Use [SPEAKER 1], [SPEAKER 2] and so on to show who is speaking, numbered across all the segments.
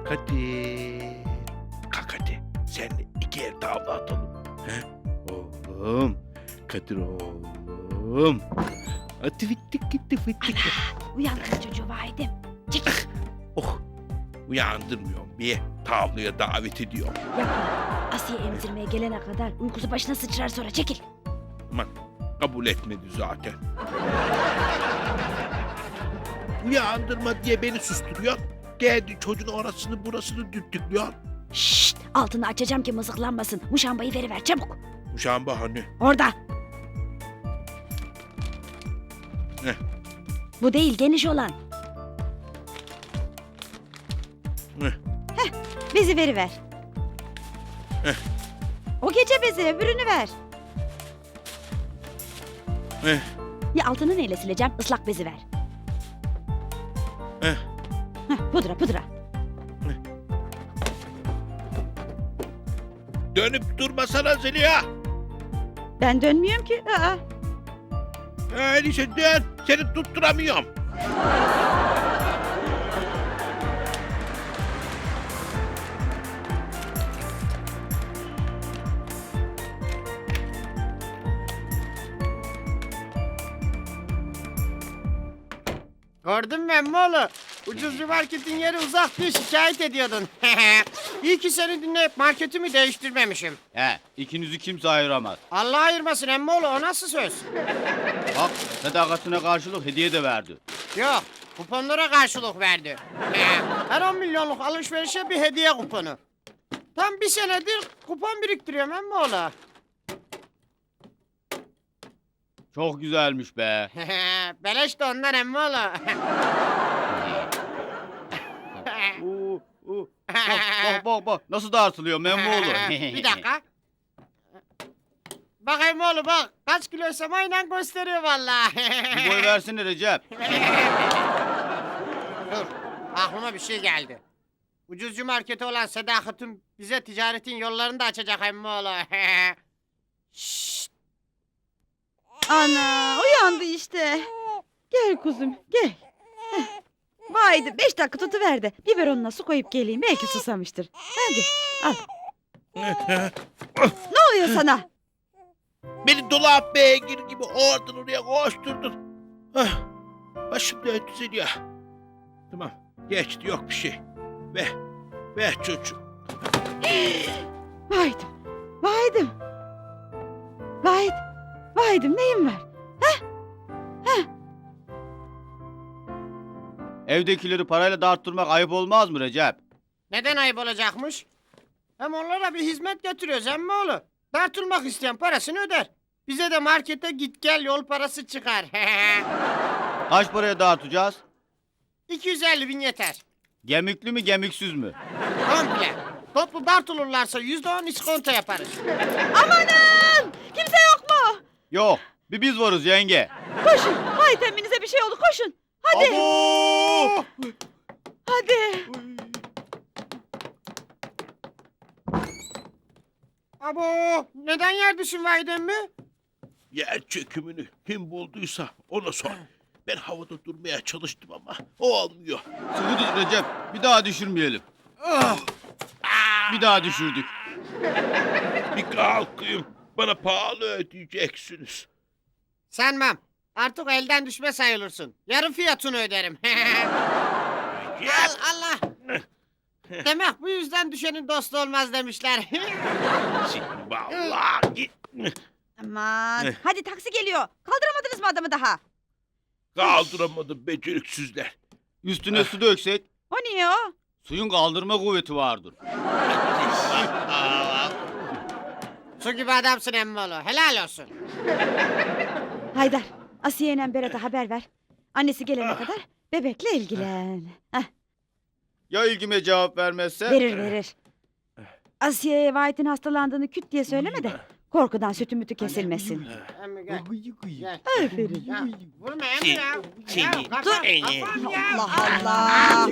[SPEAKER 1] Kadir. Kalk hadi. Seninle iki el tavla atalım. He? Oğlum. Kadir oğlum. Hadi fittik gitti fittik.
[SPEAKER 2] Uyandırma çocuğu Vahit'im. Çekil.
[SPEAKER 1] Oh. Uyandırmıyorum. Bir tavlaya davet ediyorum.
[SPEAKER 2] Yapma. Asiye emzirmeye gelene kadar uykusu başına sıçrar sonra çekil.
[SPEAKER 1] Aman kabul etmedi zaten. Uyandırma diye beni susturuyor. Geldi çocuğun orasını burasını düttüklüyor.
[SPEAKER 2] Şşt, altını açacağım ki mızıklanmasın. Muşambayı veriver çabuk.
[SPEAKER 1] Muşamba hani.
[SPEAKER 2] Orada.
[SPEAKER 1] Ne?
[SPEAKER 2] Bu değil geniş olan.
[SPEAKER 1] Ne?
[SPEAKER 2] Bezi veriver.
[SPEAKER 1] Heh.
[SPEAKER 2] O gece bezi öbürünü ver.
[SPEAKER 1] Eh,
[SPEAKER 2] Ya altını neyle sileceğim? Islak bezi ver.
[SPEAKER 1] eh.
[SPEAKER 2] Pudra pudra.
[SPEAKER 1] Dönüp durmasana Zeliha.
[SPEAKER 2] Ben dönmüyorum ki. Aa.
[SPEAKER 1] Öyleyse dön. Seni tutturamıyorum.
[SPEAKER 3] Gördün mü emmoğlu? Ucuzcu marketin yeri uzak diye şikayet ediyordun. İyi ki seni dinleyip marketimi değiştirmemişim.
[SPEAKER 4] He, ikinizi kimse ayıramaz.
[SPEAKER 3] Allah ayırmasın emmoğlu, o nasıl söz?
[SPEAKER 4] Bak, sadakatine karşılık hediye de verdi.
[SPEAKER 3] Yok, kuponlara karşılık verdi. Her 10 milyonluk alışverişe bir hediye kuponu. Tam bir senedir kupon biriktiriyorum emmoğlu.
[SPEAKER 4] Çok güzelmiş be.
[SPEAKER 3] Beleş de ondan emmoğlu.
[SPEAKER 4] Bak, nasıl dağıtılıyor Memmoğlu.
[SPEAKER 3] Bir dakika. Bak emmoğlu bak, kaç kiloysam aynen gösteriyor vallahi.
[SPEAKER 4] Bir boy versene Recep.
[SPEAKER 3] Dur, aklıma bir şey geldi. Ucuzcu marketi olan Sedakat'ın bize ticaretin yollarını da açacak emmoğlu. Şşt!
[SPEAKER 2] Ana uyandı işte. Gel kuzum gel. Vaydi 5 dakika tutuver de biberonuna su koyup geleyim. Belki susamıştır. Hadi al. Ne oluyor sana?
[SPEAKER 1] Beni dolap beygir gibi oradan oraya koşturdun. Ah, başım döndü Zeliha. Tamam geçti yok bir şey. Ver çocuğum.
[SPEAKER 2] Vaydım. Vaydım. Vaydım neyim var?
[SPEAKER 4] Evdekileri parayla dağıttırmak ayıp olmaz mı Recep?
[SPEAKER 3] Neden ayıp olacakmış? Hem onlara bir hizmet götürüyoruz emmoğlu. Tartılmak isteyen parasını öder. Bize de markete git gel yol parası çıkar.
[SPEAKER 4] Kaç paraya dağıtacağız?
[SPEAKER 3] 250 bin yeter.
[SPEAKER 4] Gemikli mi gemiksiz mi?
[SPEAKER 3] Komple. Toplu dartılırlarsa %10 iskonto yaparız.
[SPEAKER 2] Amanın! Kimse yok mu?
[SPEAKER 4] Yok, bir biz varız yenge.
[SPEAKER 2] Koşun. Vay teminize bir şey oldu koşun. Hadi.
[SPEAKER 4] Abo!
[SPEAKER 2] Hadi.
[SPEAKER 3] Abo neden yer düşün Vahidem mi?
[SPEAKER 1] Yer çökümünü kim bulduysa ona sor. Ben havada durmaya çalıştım ama o olmuyor.
[SPEAKER 4] Sıkı tut Recep, bir daha düşürmeyelim. Bir daha düşürdük.
[SPEAKER 1] Bir kalkayım. Bana pahalı ödeyeceksiniz.
[SPEAKER 3] Sanmam. Artık elden düşme sayılırsın. Yarı fiyatını öderim. Al Allah. Demek bu yüzden düşenin dostu olmaz demişler.
[SPEAKER 1] Şimdi vallahi
[SPEAKER 2] Aman. Hadi taksi geliyor. Kaldıramadınız mı adamı daha?
[SPEAKER 1] kaldıramadım beceriksizler.
[SPEAKER 4] Üstüne su döksek,
[SPEAKER 2] O niye o?
[SPEAKER 4] suyun kaldırma kuvveti vardır.
[SPEAKER 3] Su gibi adamsın emmoğlu. Helal olsun.
[SPEAKER 2] Haydar, Asiye ile Berat'a haber ver. Annesi gelene kadar bebekle ilgilen. Heh,
[SPEAKER 4] Ya ilgime cevap vermezse?
[SPEAKER 2] verir. Asiye'ye Vahit'in hastalandığını küt diye söyleme de korkudan sütü mütü kesilmesin.
[SPEAKER 3] Emmi gel. Gel.
[SPEAKER 2] Aferin.
[SPEAKER 3] Ya, vurma emmi ya. Ya, kafam, kafam ya.
[SPEAKER 2] Allah.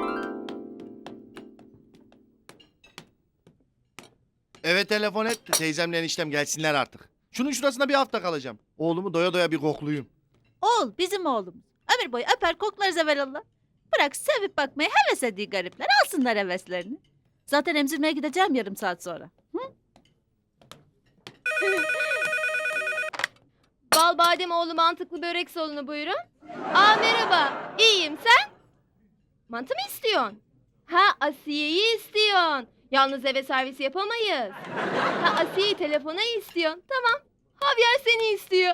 [SPEAKER 5] Evet telefon et. Teyzemle eniştem gelsinler artık. Şunun şurasında bir hafta kalacağım. Oğlumu doya doya bir kokluyum.
[SPEAKER 6] Oğul bizim oğlumuz. Ömür boyu öper koklarız evvelallah. Bırak sevip bakmayı heves ediyor garipler. Alsınlar heveslerini. Zaten emzirmeye gideceğim yarım saat sonra.
[SPEAKER 7] Bal Bademoğlu mantıklı börek salonu buyurun. Aa merhaba. İyiyim sen? Mantı mı istiyorsun? Ha Asiye'yi istiyorsun. Yalnız eve servisi yapamayız. Ha Asiye'yi telefona istiyorsun. Tamam. Javier seni istiyor.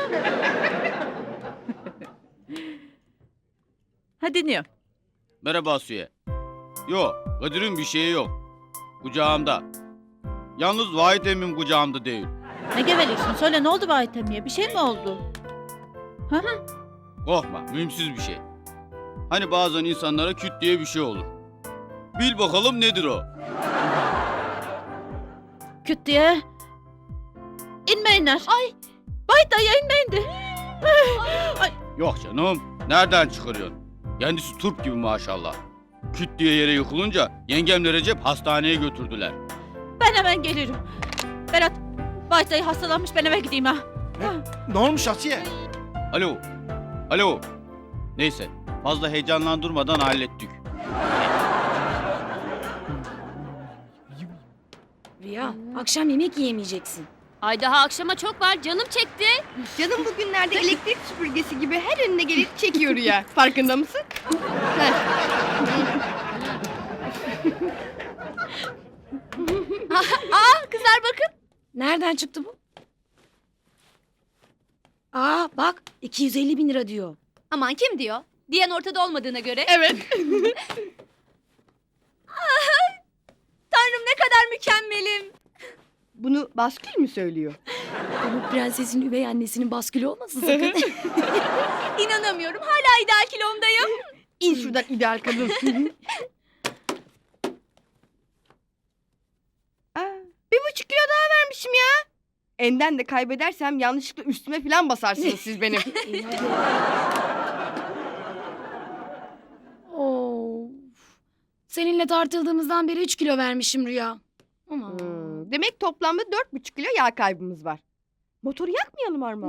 [SPEAKER 6] Ha dinliyorum.
[SPEAKER 4] Merhaba Asiye. Yok, Kadir'in bir şeyi yok. Kucağımda. Yalnız Vahit emmim kucağımda değil.
[SPEAKER 6] Ne geveliyorsun? Söyle ne oldu Vahit emmiye? Bir şey mi oldu?
[SPEAKER 4] Korkma, mühimsiz bir şey. Hani bazen insanlara küt diye bir şey olur. Bil bakalım nedir o?
[SPEAKER 6] Küt diye. İnmeyinler. Ay. Vahit dayı inmeyin de.
[SPEAKER 4] Yok canım, nereden çıkarıyorsun? Kendisi turp gibi maşallah. Küt diye yere yıkılınca yengemle Recep hastaneye götürdüler.
[SPEAKER 6] Ben hemen gelirim. Berat. Vahit dayı hastalanmış ben eve gideyim ha.
[SPEAKER 5] Ne olmuş Asiye?
[SPEAKER 4] Alo, alo. Neyse, fazla heyecanlandırmadan hallettik.
[SPEAKER 8] Rüya, akşam yemek yiyemeyeceksin.
[SPEAKER 7] Ay daha akşama çok var. Canım çekti.
[SPEAKER 9] Canım bugünlerde elektrik süpürgesi gibi her önüne gelip çekiyor ya. Farkında mısın?
[SPEAKER 7] Kızlar bakın.
[SPEAKER 8] Nereden çıktı bu? Aa bak 250 bin lira diyor.
[SPEAKER 7] Aman kim diyor? Diyen ortada olmadığına göre.
[SPEAKER 9] Evet.
[SPEAKER 7] Tanrım ne kadar mükemmelim.
[SPEAKER 9] Bunu baskül mü söylüyor?
[SPEAKER 8] Bu prensesin üvey annesinin baskülü olmasın sakın.
[SPEAKER 7] İnanamıyorum. Hala ideal kilomdayım.
[SPEAKER 9] İn şuradan ideal kadın. Aa, 1,5 kilo daha vermişim ya. Enden de kaybedersem yanlışlıkla üstüme falan basarsınız siz benim.
[SPEAKER 8] Of. Seninle tartıldığımızdan beri 3 kilo vermişim Rüya. Ama
[SPEAKER 9] Demek toplamda 4,5 kilo yağ kaybımız var. Motoru yakmayalım Armağan.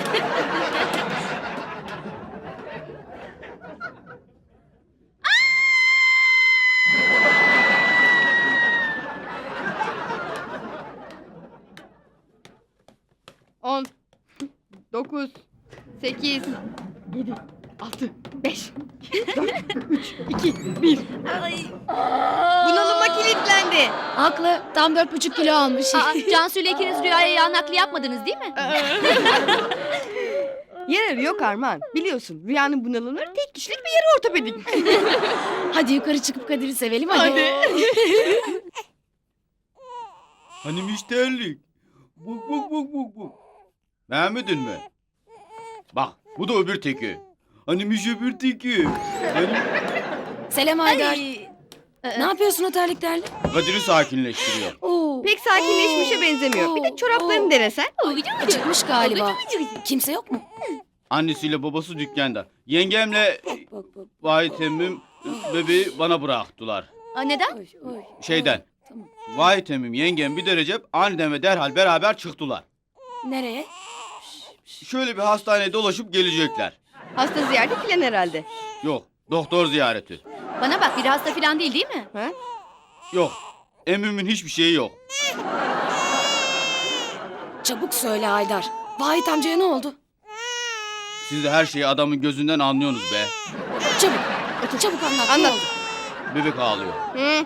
[SPEAKER 9] On, 9, 8, 7, 6, 5, 4, 3, 2, 1. Bunalıma kilitlendi.
[SPEAKER 8] haklı tam 4,5 kilo almış.
[SPEAKER 7] Cansu ile ikiniz rüyaya yağ nakli yapmadınız değil mi?
[SPEAKER 9] Yararı yok Armağan. Biliyorsun rüyanın bunalımları tek kişilik bir yarı ortopedik.
[SPEAKER 8] Hadi yukarı çıkıp Kadir'i sevelim hadi.
[SPEAKER 4] Hani müşterilik? Buk buk buk buk buk. Beğenmedin mi? Bak bu da öbür teki. Hani öbür teki. Hani
[SPEAKER 8] Selam Haydar. Ne yapıyorsun o terliklerle?
[SPEAKER 4] Kadir'i sakinleştiriyor.
[SPEAKER 8] Oo.
[SPEAKER 9] Pek sakinleşmişe benzemiyor. Bir de çoraplarını denesen.
[SPEAKER 8] Acıkmış galiba. Kimse yok mu?
[SPEAKER 4] Annesiyle babası dükkanda. Yengemle
[SPEAKER 8] Bak.
[SPEAKER 4] Vahit emmim bebeği bana bıraktılar.
[SPEAKER 7] Neden?
[SPEAKER 8] Oy.
[SPEAKER 4] Şeyden.
[SPEAKER 8] Tamam.
[SPEAKER 4] Vahit emmim, yengem bir de Recep aniden ve derhal beraber çıktılar.
[SPEAKER 8] Nereye?
[SPEAKER 4] Şöyle bir hastaneye dolaşıp gelecekler.
[SPEAKER 9] Hasta ziyareti filan herhalde.
[SPEAKER 4] Yok, doktor ziyareti.
[SPEAKER 7] Bana bak biri hasta falan değil mi?
[SPEAKER 4] Yok, emmimin hiçbir şeyi yok.
[SPEAKER 8] Çabuk söyle Haydar. Vahit amcaya ne oldu?
[SPEAKER 4] Siz de her şeyi adamın gözünden anlıyorsunuz be.
[SPEAKER 8] Çabuk anlat.
[SPEAKER 9] Anlat.
[SPEAKER 8] Ne oldu?
[SPEAKER 4] Bebek ağlıyor.
[SPEAKER 9] Hı.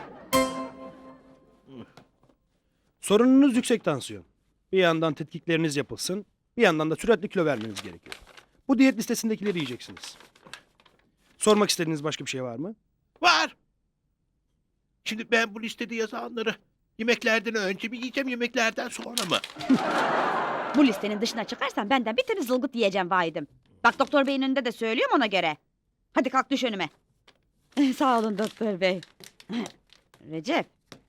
[SPEAKER 10] Sorununuz yüksek tansiyon. Bir yandan tetkikleriniz yapılsın, bir yandan da sürekli kilo vermeniz gerekiyor. Bu diyet listesindekileri yiyeceksiniz. Sormak istediğiniz başka bir şey var mı?
[SPEAKER 1] Var. Şimdi ben bu listede yazanları yemeklerden önce mi yiyeceğim, yemeklerden sonra mı?
[SPEAKER 2] Bu listenin dışına çıkarsan benden bir tane zılgıt yiyeceğim vahidim. Bak doktor beyin önünde de söylüyorum ona göre. Hadi kalk düş önüme. Sağ olun doktor bey. Recep.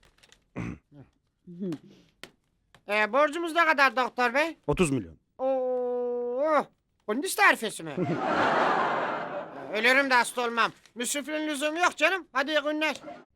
[SPEAKER 3] Borcumuz ne kadar doktor bey?
[SPEAKER 10] 30 milyon.
[SPEAKER 3] Oo, kunduz tarifesi mi? Ölürüm de hasta olmam. Müsrifliğin lüzumu yok canım. Hadi iyi günler.